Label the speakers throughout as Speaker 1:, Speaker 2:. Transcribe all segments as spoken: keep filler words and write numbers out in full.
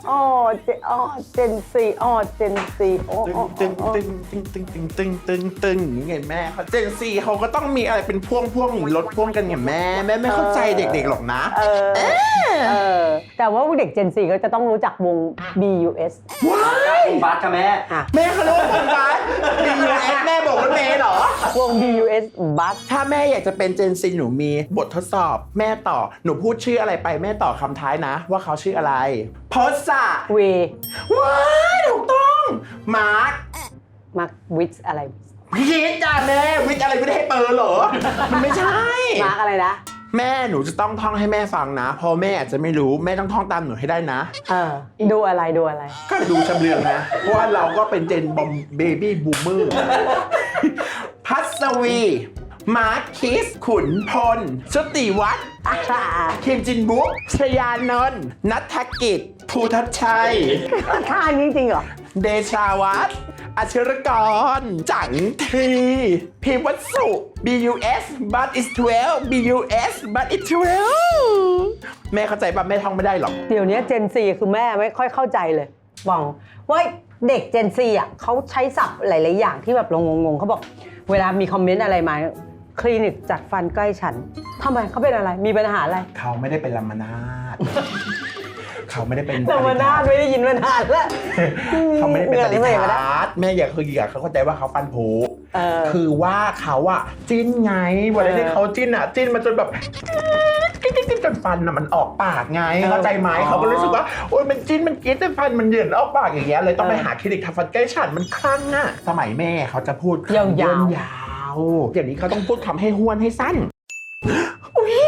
Speaker 1: อ๋อเจอ๋อเจนซีอ๋อเจนซีโอ้
Speaker 2: ตึงตึงตึงตึงตึงตึงตึงตึงตึงอย่างไงแม่เขาเจนซีเขาก็ต้องมีอะไรเป็นพ่วงพ่วงรถพ่วงกันไงแม่แม่ไม่เข้าใจเด็กๆหรอกนะ
Speaker 1: เออเออแต่ว่าเด็กเจนซีก็จะต้องรู้จักวง บี ยู เอส
Speaker 2: ว้าย
Speaker 3: บัสค่ะแม่
Speaker 2: แม่เขาเรียกว่าคนบ้านบียูเอสแม่บอกรถเมย์เหรอ
Speaker 1: วง บี ยู เอส บัส
Speaker 2: ถ้าแม่อยากจะเป็นเจนซีหนูมีบททดสอบแม่ต่อหนูพูดชื่ออะไรไปแม่ต่อคำท้ายนะ ว่าเขาชื่ออะไรพอสะ
Speaker 1: เว
Speaker 2: ว้ายถูกต้องมาร์ค
Speaker 1: มาวิทอะไร
Speaker 2: พีทจ้าแม่วิทย์อะไรไม่ได้ให้เปิดเหรอ มันไม่ใช่
Speaker 1: มาร์กอะไรนะ
Speaker 2: แม่หนูจะต้องท่องให้แม่ฟังนะเพราะแม่อาจจะไม่รู้แม่ต้องท่องตามหนูให้ได้นะ
Speaker 1: เออดูอะไรดูอะไร
Speaker 2: ก็ดูชำเลืองนะ เพราะว่าเราก็เป็นเจนบอมเบบี้บูมเมอร์พัสวี มาร์คคิส ขุนพลชุติวัฒน์คิมจินบุ๊กชยานนท์นัทกิจ ภูทัชชัย
Speaker 1: ท่านี้จริงเหรอ
Speaker 2: เดชาวัฒน์อัชรกร จังทีพิมพ์วัสุ บี ยู เอส but it's twelve บี ยู เอส but it's twelve แม่เข้าใจป่ะแม่ท่องไม่ได้หรอก
Speaker 1: เดี๋ยวนี้เจนซีคือแม่ไม่ค่อยเข้าใจเลยบอกว่าเด็กเจนซีอ่ะเขาใช้ศัพท์หลายๆอย่างที่แบบเรางงๆเขาบอกเวลามีคอมเมนต์อะไรมาคลินิกจัดฟันใกล้ฉันทำไมเขาเป็นอะไรมีปัญหาอะไร
Speaker 2: เขาไม่ได้เป็นลามานาด เขาไม่ได้เป็น
Speaker 1: ลามานาดไม่ได้ยินมานานแล้ว
Speaker 2: เขาไม่ได้เป็นปฏิ
Speaker 1: หนื่อย
Speaker 2: ทัศน์แม่อยากคืออยากเขาเข้าใจว่าเขาฟันผุ
Speaker 1: เออ
Speaker 2: คือว่าเขาอะจิ้นไงเวลาที่เขาจิ้นอะจิ้นมันจนแบบจิ้นจิ้นจนฟันอะมันออกปากไงเข้าใจไหมเขาก็รู้สึกว่าโอ๊ยมันจิ้นมันกรี๊ดจนฟันมันเหยินออกปากอย่างเงี้ยเลยต้องไปหาคลินิกทำฟันใกล้ฉันมันคลั่งอะสมัยแม่เขาจะพูด
Speaker 1: ยาวๆ
Speaker 2: ยาวๆอย่างนี้เขาต้องพูดคำให้ห้วนให้สั้นอุ้ย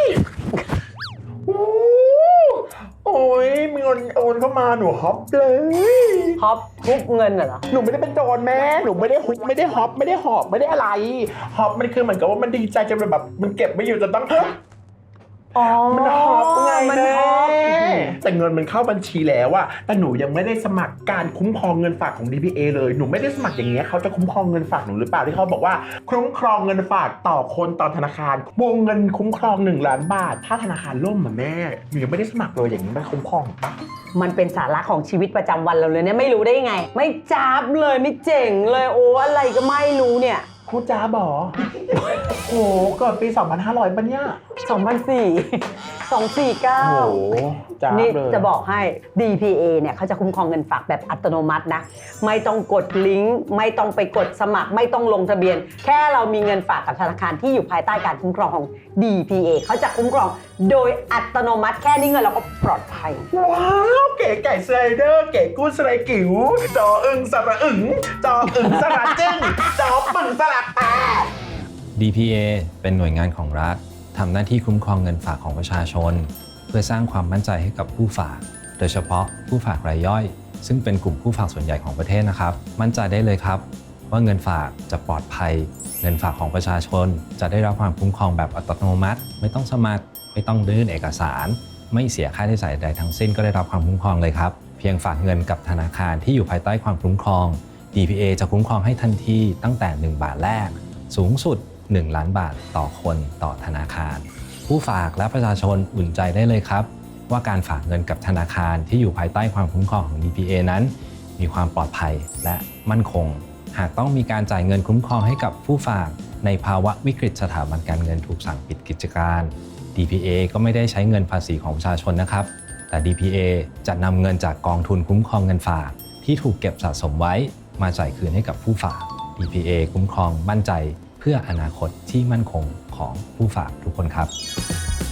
Speaker 2: โอ้ยมีเงินโอนเข้ามาหนูฮอปเลย
Speaker 1: ฮอปทุบเงินเหรอ
Speaker 2: หนูไม่ได้เป็นโจรแม่หนูไม่ได้ฮุบไม่ได้ฮอปไม่ได้หอบไม่ได้อะไรฮอปมันคือเหมือนกับว่ามันดีใจจนแบบมันเก็บไม่อยู่จนต้อง
Speaker 1: อ๋อ
Speaker 2: มันฮอปไง
Speaker 1: มัน
Speaker 2: แม่
Speaker 1: ฮอป
Speaker 2: แต่เงินมันเข้าบัญชีแล้วอะแต่หนูยังไม่ได้สมัครการคุ้มครองเงินฝากของ ดี พี เอ เลยหนูไม่ได้สมัครอย่างเงี้ยเขาจะคุ้มครองเงินฝากหนูหรือเปล่าที่เขาบอกว่าคุ้มครองเงินฝากต่อคนต่อธนาคารวงเงินคุ้มครองหนึ่งล้านบาทถ้าธนาคารล่มเหมือนแม่หนูยังไม่ได้สมัครเลยอย่างนี้มันคุ้มครองปะ
Speaker 1: มันเป็นสาระของชีวิตประจำวันเราเลยเนี่ยไม่รู้ได้ยังไง ไม่จับเลยไม่เจ๋งเลยโอ้อะไรก็ไม่รู้เนี่ย
Speaker 2: พูดจ้าบอ โอ้โหเกิดปีสองพันห้าร้อยปะเนี่ย
Speaker 1: สองพันสี่ สองสี่เก้า
Speaker 2: โอ้โหจ้าบ
Speaker 1: นี่
Speaker 2: เลย
Speaker 1: จะบอกให้ ดี พี เอ เนี่ยเขาจะคุ้มครองเงินฝากแบบอัตโนมัตินะไม่ต้องกดลิงก์ไม่ต้องไปกดสมัครไม่ต้องลงทะเบียน แค่เรามีเงินฝากกับธนาคารที่อยู่ภายใต้การคุ้มครองของ ดี พี เอ เขาจะคุ้มครองโดยอัตโนมัติแค่นี้เงินเราก็ปลอดภัย
Speaker 2: ว้าวเก๋ไก่สไลเดอร์เก๋กู้สไลกิ๋วจออึงสระอึงจออึงสระจึ้งจอปึ่งสระแปด
Speaker 4: ดี พี เอ เป็นหน่วยงานของรัฐทำหน้าที่คุ้มครองเงินฝากของประชาชน เพื่อสร้างความมั่นใจให้กับผู้ฝาก โดยเฉพาะผู้ฝากรายย่อย ซึ่งเป็นกลุ่มผู้ฝากส่วนใหญ่ของประเทศนะครับ มั่นใจได้เลยครับว่าเงินฝากจะปลอดภัย เงินฝากของประชาชนจะได้รับความคุ้มครองแบบอัตโนมัติ ไม่ต้องสมัครไม่ต้องยื่นเอกสาร ไม่เสียค่าใช้จ่ายใดทั้งสิ้นก็ได้รับความคุ้มครองเลยครับเพียงฝากเงินกับธนาคารที่อยู่ภายใต้ความคุ้มครอง ดี พี เอ จะคุ้มครองให้ทันทีตั้งแต่หนึ่งบาทแรกสูงสุดหนึ่งล้านบาทต่อคนต่อธนาคารผู้ฝากและประชาชนอุ่นใจได้เลยครับว่าการฝากเงินกับธนาคารที่อยู่ภายใต้ความคุ้มครองของ ดี พี เอ นั้นมีความปลอดภัยและมั่นคงหากต้องมีการจ่ายเงินคุ้มครองให้กับผู้ฝากในภาวะวิกฤตสถาบันการเงินถูกสั่งปิดกิจการ ดี พี เอ ก็ไม่ได้ใช้เงินภาษีของประชาชนนะครับแต่ ดี พี เอ จะนำเงินจากกองทุนคุ้มครองเงินฝากที่ถูกเก็บสะสมไว้มาจ่ายคืนให้กับผู้ฝาก ดี พี เอ คุ้มครองมั่นใจเพื่ออนาคตที่มั่นคงของผู้ฝากทุกคนครับ